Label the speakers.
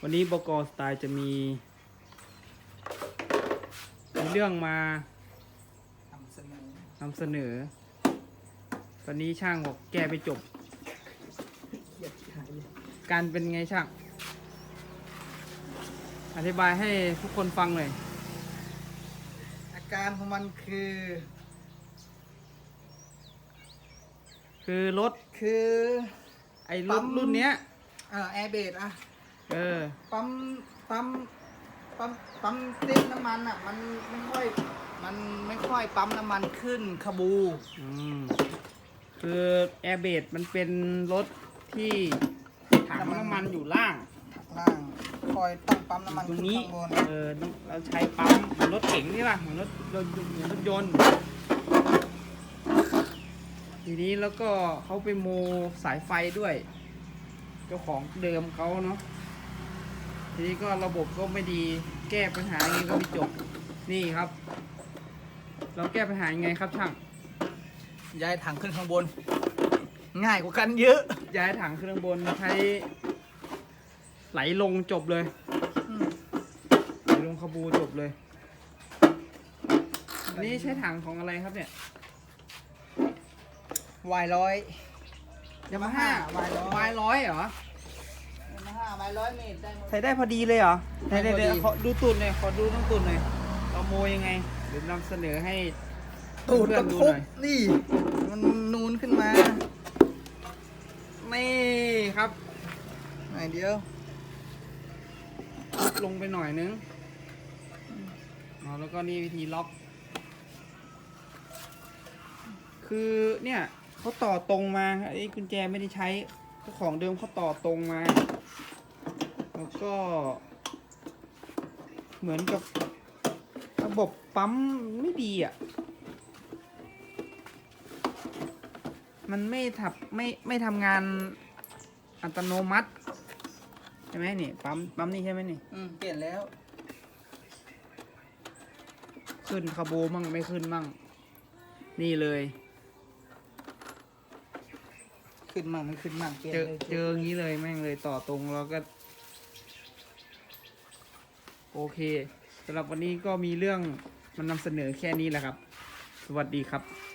Speaker 1: วันนี้บก.สไตล์จะมีเรื่องมาน ำเสนอตอนนี้ช่างบอกแก้ไปจบการเป็นไงช่างอธิบายให้ทุกคนฟังหน่อย
Speaker 2: อาการของมันคือ
Speaker 1: รถไอ้รุ่นเนี้ย
Speaker 2: แอร์เบรดปั๊มติดน้ำมันอ่ะมันไม่ค่อยปั๊มน้ำมันขึ้นขบู
Speaker 1: คือแอร์เบรดมันเป็นรถที่ถังน้ำมันอยู่ล่าง
Speaker 2: คอยตั้งปั๊มน้ำมัน
Speaker 1: ตรงนี้
Speaker 2: ข้างบน
Speaker 1: เราใช้ปั๊มเหมือนรถเก๋งนี่ป่ะเหมือนรถยนต์ทีนี้แล้วก็เขาไปโมสายไฟด้วยเจ้าของเดิมเขาเนาะทีนี้ก็ระบบก็ไม่ดีแก้ปัญหาอย่างนี้ก็ไม่จบนี่ครับเราแก้ปัญหายังไงครับช่าง
Speaker 2: ย้ายถังขึ้นข้างบนง่ายกว่ากันเยอะ
Speaker 1: ย้ายถังขึ้นข้างบนใช้ไหลลงจบเลยไหลลงขบูจบเลยอันนี้ใช้ถังของอะไรครับเนี่
Speaker 2: ยวายร้อย
Speaker 1: ยามาฮ่าวายร้อยเหรอย
Speaker 2: ามาฮ่าวายร้อยเมตรได้
Speaker 1: ใช้ได้พอดีเลยเหรอ
Speaker 2: ใช้ได้พอดี
Speaker 1: ขอดูตุ่นหน่อยขอดูน้องตุ่นหน่อยเราโมยังไงเดี๋ยวนำเสนอให้
Speaker 2: ตูด
Speaker 1: เพื่อนดูหน่อย
Speaker 2: นี่มันนูนขึ้นมา
Speaker 1: นี่ครับ
Speaker 2: ไหนเดียว
Speaker 1: ลงไปหน่อยนึงแล้วก็นี่วิธีล็อกคือเนี่ยเขาต่อตรงมาไอ้กุญแจไม่ได้ใช้เจ้าของเดิมเขาต่อตรงมาแล้วก็เหมือนกับระบบปั๊มไม่ดีอ่ะมันไม่ทำงานอัตโนมัติใช่ไหมนี่ปั๊มนี่ใช่ไหมนี่
Speaker 2: เปลี่ยนแล้ว
Speaker 1: ขึ้นคาโบมั่งไม่ขึ้นมั่งนี่เลย
Speaker 2: ขึ้นมั่งไม่ขึ้นมั่ง
Speaker 1: เจออย่างนี้เลยแม่งเลยต่อตรงแล้วก็โอเคสำหรับวันนี้ก็มีเรื่องมันนำเสนอแค่นี้แหละครับสวัสดีครับ